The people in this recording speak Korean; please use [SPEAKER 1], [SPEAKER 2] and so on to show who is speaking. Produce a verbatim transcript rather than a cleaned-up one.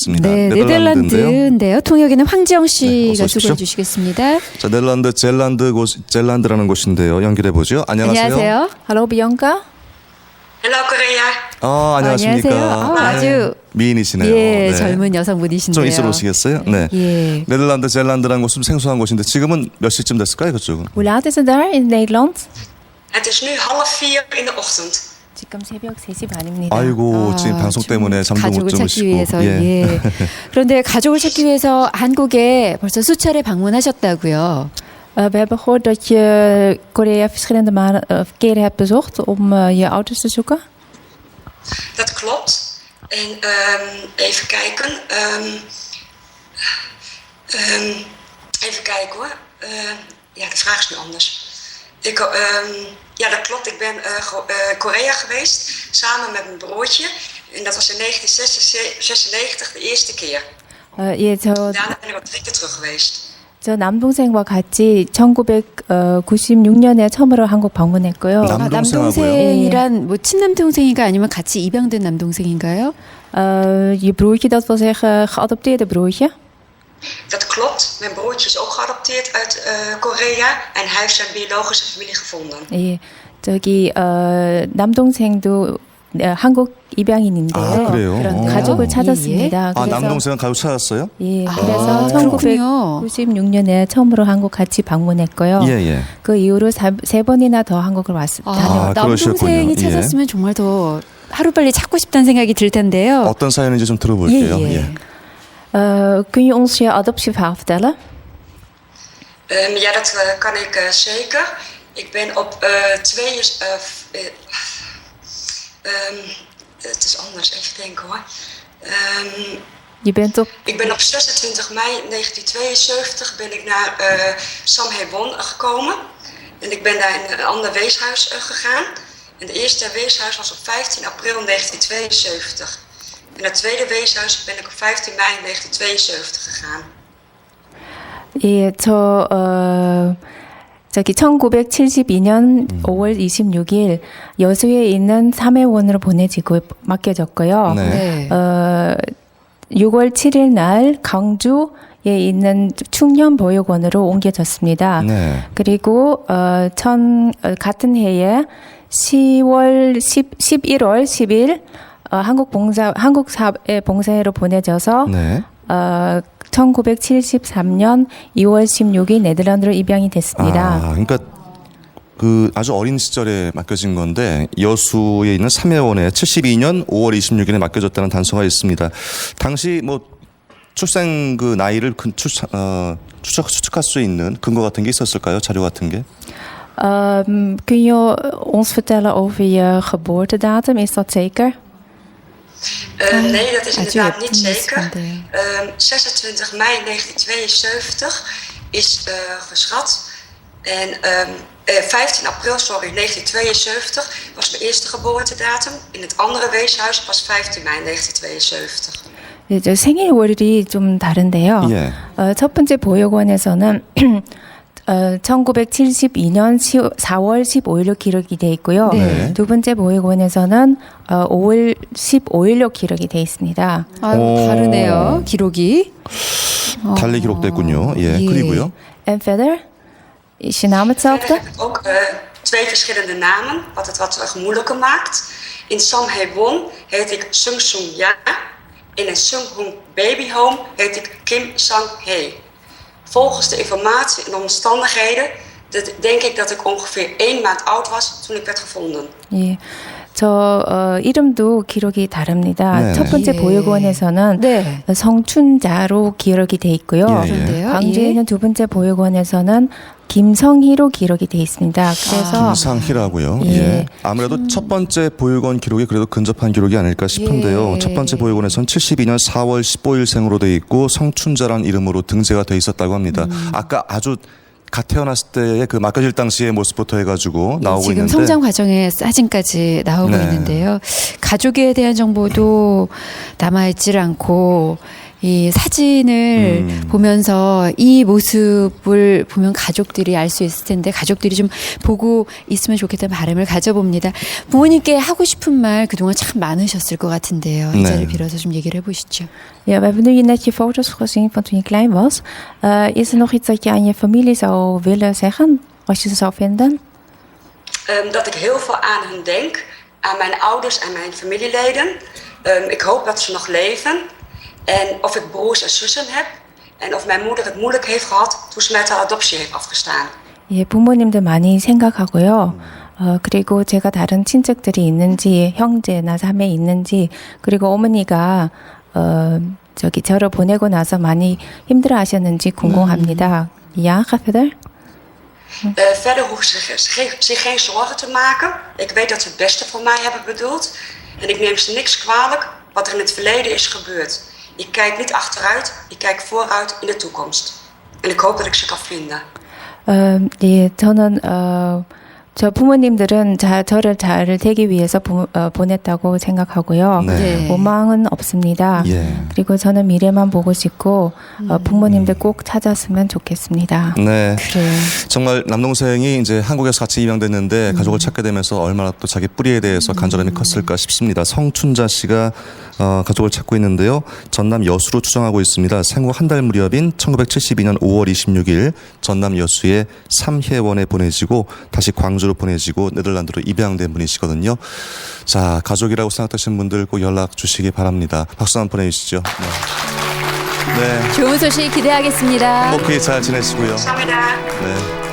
[SPEAKER 1] 나왔습니다.
[SPEAKER 2] 네,
[SPEAKER 1] 네덜란드인데요.
[SPEAKER 2] 네덜란드인데요. 통역에는 황지영 씨가
[SPEAKER 1] 네,
[SPEAKER 2] 수고해 주시겠습니다.
[SPEAKER 1] 자, 네덜란드 젤란드 곳 젤란드라는 곳인데요. 연결해 보죠. 안녕하세요.
[SPEAKER 2] 안녕하세요.
[SPEAKER 3] Hallo Bianca.
[SPEAKER 4] Hello Korea.
[SPEAKER 1] 어, 안녕하십니까.
[SPEAKER 2] 안녕하세요. 어, 아주
[SPEAKER 1] 미인이시네요.
[SPEAKER 2] 예,
[SPEAKER 1] 네.
[SPEAKER 2] 젊은 여성분이신데요.
[SPEAKER 1] 좀 있어 오시겠어요? 네.
[SPEAKER 2] 예.
[SPEAKER 1] 네덜란드 젤란드라는 곳은 생소한 곳인데 지금은 몇 시쯤 됐을까요, 그쪽은?
[SPEAKER 3] Hoe laat is het daar in Nederland?
[SPEAKER 4] Het is nu half vier in de ochtend.
[SPEAKER 3] 지금 새벽 세 시 반입니다.
[SPEAKER 1] 아이고,
[SPEAKER 2] 아,
[SPEAKER 1] 지금 방송
[SPEAKER 2] 좀
[SPEAKER 1] 때문에 잠도 못
[SPEAKER 2] 가족을 찾기
[SPEAKER 1] 주무시고.
[SPEAKER 2] 위해서 예. 그런데 가족을 찾기 위해서 한국에 벌써 수차례 방문하셨다고요.
[SPEAKER 3] Uh, we hebben gehoord dat je Korea verschillende malen, uh, keren hebt bezocht om uh, je ouders te zoeken.
[SPEAKER 4] Dat klopt. En um, even kijken. Um, um, even kijken hoor. Uh, ja, de vraag is nu anders. Ik, um, ja, dat klopt. Ik ben uh, go- uh, Korea geweest samen met mijn broertje. En dat was in negentien zesennegentig de eerste keer.
[SPEAKER 3] Uh, 예, 저,
[SPEAKER 4] Daarna ben ik al drie keer terug geweest.
[SPEAKER 3] 저 남동생과 같이 천구백구십육 년에 처음으로 한국 방문했고요.
[SPEAKER 1] 남-
[SPEAKER 2] 아,
[SPEAKER 1] 남동생하고요?
[SPEAKER 2] 남동생이란 뭐 친남 동생인가 아니면 같이 입양된 남동생인가요?
[SPEAKER 3] Uh, je broertje, dat wil zeggen geadopteerde broertje.
[SPEAKER 4] Dat klopt. Mijn broertje is ook geadopteerd uit uh, Korea. En hij heeft zijn biologische familie gevonden.
[SPEAKER 3] 예, 저기 어, 남동생도 어, 한국 입양인인데요.
[SPEAKER 1] 아, 그래요?
[SPEAKER 2] 그런데요?
[SPEAKER 3] 가족을
[SPEAKER 2] 예,
[SPEAKER 3] 찾았습니다.
[SPEAKER 1] 아,
[SPEAKER 3] 그래서
[SPEAKER 1] 남동생은 가족 찾았어요?
[SPEAKER 3] 예,
[SPEAKER 2] 아,
[SPEAKER 3] 그래서
[SPEAKER 2] 그렇군요.
[SPEAKER 3] 천구백구십육 년에 처음으로 한국 같이 방문했고요.
[SPEAKER 1] 예, 예.
[SPEAKER 3] 그 이후로 사, 세 번이나 더 한국을 왔,
[SPEAKER 2] 아,
[SPEAKER 3] 다녀왔.
[SPEAKER 1] 아, 그러셨군요.
[SPEAKER 2] 남동생이
[SPEAKER 1] 예.
[SPEAKER 2] 찾았으면 정말 더 하루빨리 찾고 싶다는 생각이 들 텐데요.
[SPEAKER 1] 어떤 사연인지 좀 들어볼게요.
[SPEAKER 2] 예, 예.
[SPEAKER 1] 예.
[SPEAKER 3] Uh, kun je ons je adoptieverhaal vertellen?
[SPEAKER 4] Um, ja, dat uh, kan ik uh, zeker. Ik ben op uh, twee... Uh, uh, um, het is anders, even denken hoor. Um,
[SPEAKER 3] Je bent op
[SPEAKER 4] ik ben op zesentwintig mei negentien tweeënzeventig ben ik naar uh, Samhaewon gekomen. En ik ben daar in een ander weeshuis uh, gegaan. En de eerste weeshuis was op vijftien april negentien tweeënzeventig. En het tweede weeshuis ben ik op vijftien mei negentien tweeënzeventig gegaan.
[SPEAKER 3] 예, 저 어, 저기 천구백칠십이 년 오월 이십육 일 여수에 있는 삼회원으로 보내지고 맡겨졌고요.
[SPEAKER 1] 네.
[SPEAKER 2] 네.
[SPEAKER 3] 어, 유월 칠일 날 광주에 있는 충년보육원으로 옮겨졌습니다.
[SPEAKER 1] 네.
[SPEAKER 3] 그리고 어, 천, 어, 같은 해에 시월 십, 십일월 십일 어, 한국 봉사 한국 사회 봉사회로 보내져서
[SPEAKER 1] 네.
[SPEAKER 3] 어, 천구백칠십삼 년 이월 십육 일 네덜란드로 입양이 됐습니다.
[SPEAKER 1] 아, 그러니까 그 아주 어린 시절에 맡겨진 건데 여수에 있는 삼회원에 칠십이 년 오월 이십육 일에 맡겨졌다는 단서가 있습니다. 당시 뭐 출생 그 나이를 근- 추측, 어, 추측, 추측할 수 있는 근거 같은 게 있었을까요? 자료 같은 게?
[SPEAKER 3] Um, kun je ons vertellen over je geboortedatum? Is dat zeker?
[SPEAKER 4] Uh, nee, dat is
[SPEAKER 2] 아주
[SPEAKER 4] inderdaad niet
[SPEAKER 2] 예쁜
[SPEAKER 4] zeker.
[SPEAKER 2] 모습인데요.
[SPEAKER 4] Um, zesentwintig mei negentien tweeënzeventig is uh, geschat. En um, uh, vijftien april, sorry, negentien tweeënzeventig was mijn eerste geboortedatum. In het andere weeshuis was vijftien mei negentien tweeënzeventig.
[SPEAKER 3] 네, 저 생일월이 좀 다른데요.
[SPEAKER 1] 예.
[SPEAKER 3] 어, 첫 번째 보육원에서는 어, 천구백칠십이 년 사월 십오일로 기록이 돼 있고요.
[SPEAKER 1] 네.
[SPEAKER 3] 두 번째 보육원에서는 어, 오월 십오일로 기록이 돼 있습니다.
[SPEAKER 2] 아유,
[SPEAKER 1] 오.
[SPEAKER 2] 다르네요. 기록이.
[SPEAKER 1] 달리 기록됐군요. 예.
[SPEAKER 2] 예.
[SPEAKER 1] 그리고요.
[SPEAKER 3] En verder? Is je naam
[SPEAKER 4] Verder
[SPEAKER 3] hetzelfde?
[SPEAKER 4] heb ik ook uh, twee verschillende namen, wat het wat uh, moeilijker maakt. In Samhaewon heet ik Sung Sung Ja. In een Sunghung Baby Home heet ik Kim Sang Hee. Volgens de informatie en omstandigheden dat, denk ik dat ik ongeveer één maand oud was toen ik werd gevonden.
[SPEAKER 3] 예. 저 어, 이름도 기록이 다릅니다.
[SPEAKER 1] 네네.
[SPEAKER 3] 첫 번째
[SPEAKER 2] 예.
[SPEAKER 3] 보육원에서는
[SPEAKER 2] 네.
[SPEAKER 3] 성춘자로 기록이 돼 있고요.
[SPEAKER 1] 예, 예.
[SPEAKER 2] 그런데요.
[SPEAKER 3] 광주에
[SPEAKER 2] 예.
[SPEAKER 3] 있는 두 번째 보육원에서는 김성희로 기록이 돼 있습니다. 그래서
[SPEAKER 1] 김상희라고요.
[SPEAKER 3] 예.
[SPEAKER 1] 예. 아무래도 첫 번째 보육원 기록이 그래도 근접한 기록이 아닐까 싶은데요.
[SPEAKER 2] 예.
[SPEAKER 1] 첫 번째 보육원에서는 칠십이 년 사월 십오일 생으로 돼 있고 성춘자란 이름으로 등재가 돼 있었다고 합니다.
[SPEAKER 2] 음.
[SPEAKER 1] 아까 아주 갓 태어났을 때의 그 맡겨질 당시의 모습부터 해가지고 나오고
[SPEAKER 2] 지금
[SPEAKER 1] 있는데
[SPEAKER 2] 성장 과정의 사진까지 나오고
[SPEAKER 1] 네.
[SPEAKER 2] 있는데요. 가족에 대한 정보도 남아있질 않고 이 사진을
[SPEAKER 1] 음.
[SPEAKER 2] 보면서 이 모습을 보면 가족들이 알 수 있을 텐데 가족들이 좀 보고 있으면 좋겠다는 바람을 가져봅니다. 부모님께 ha고 싶은 말 그동안 참 많으셨을 것 같은데요. 이
[SPEAKER 1] 네.
[SPEAKER 2] 자리를 빌어서 좀 얘기를 해보시죠.
[SPEAKER 3] Ja, we hebben nu net je foto's gezien van toen je klein was. Uh, is er nog iets dat je aan je familie zou willen zeggen, als je ze zou vinden?
[SPEAKER 4] Um, dat ik heel veel aan hun denk, aan mijn ouders en mijn familieleden. Um, ik hoop dat ze nog leven. En of ik broers en zussen heb. En of mijn moeder het moeilijk heeft gehad toen ze met haar adoptie heeft afgestaan.
[SPEAKER 3] 예, 부모님들 많이 생각하고요. 어, 그리고 제가 다른 친척들이 있는지, 형제나 자매 있는지, 그리고 어머니가, 어, 저기, 저를 보내고 나서 많이 힘들어 하셨는지 궁금합니다. Ja, ga verder.
[SPEAKER 4] Uh, verder hoeven ze zich, zich geen zorgen te maken. Ik weet dat ze het beste voor mij hebben bedoeld. En ik neem ze niks kwalijk wat er in het verleden is gebeurd. Ik kijk niet achteruit, ik kijk vooruit in de toekomst. En ik hoop dat ik ze kan vinden.
[SPEAKER 3] 어, 예, 저는, 어, 저 부모님들은 자, 저를 잘 되기 위해서 부, 어, 보냈다고 생각하고요.
[SPEAKER 1] 네.
[SPEAKER 2] 네.
[SPEAKER 3] 원망은 없습니다.
[SPEAKER 1] 예.
[SPEAKER 3] 그리고 저는 미래만 보고 싶고, 어, 부모님들 꼭 찾았으면 좋겠습니다.
[SPEAKER 1] 네.
[SPEAKER 2] 그래요.
[SPEAKER 1] 정말 남동생이 이제 한국에서 같이 입양됐는데 가족을 찾게 되면서 얼마나 또 자기 뿌리에 대해서 간절함이 컸을까 싶습니다. 성춘자 씨가 어, 가족을 찾고 있는데요. 전남 여수로 추정하고 있습니다. 생후 한 달 무렵인 천구백칠십이 년 오월 이십육일 전남 여수의 삼혜원에 보내지고 다시 광주로 보내지고 네덜란드로 입양된 분이시거든요. 자, 가족이라고 생각하시는 분들 꼭 연락 주시기 바랍니다. 박수 한번 보내주시죠. 네. 네.
[SPEAKER 2] 좋은 소식 기대하겠습니다.
[SPEAKER 1] 행복히 잘 지내시고요.
[SPEAKER 4] Samida.
[SPEAKER 1] 네.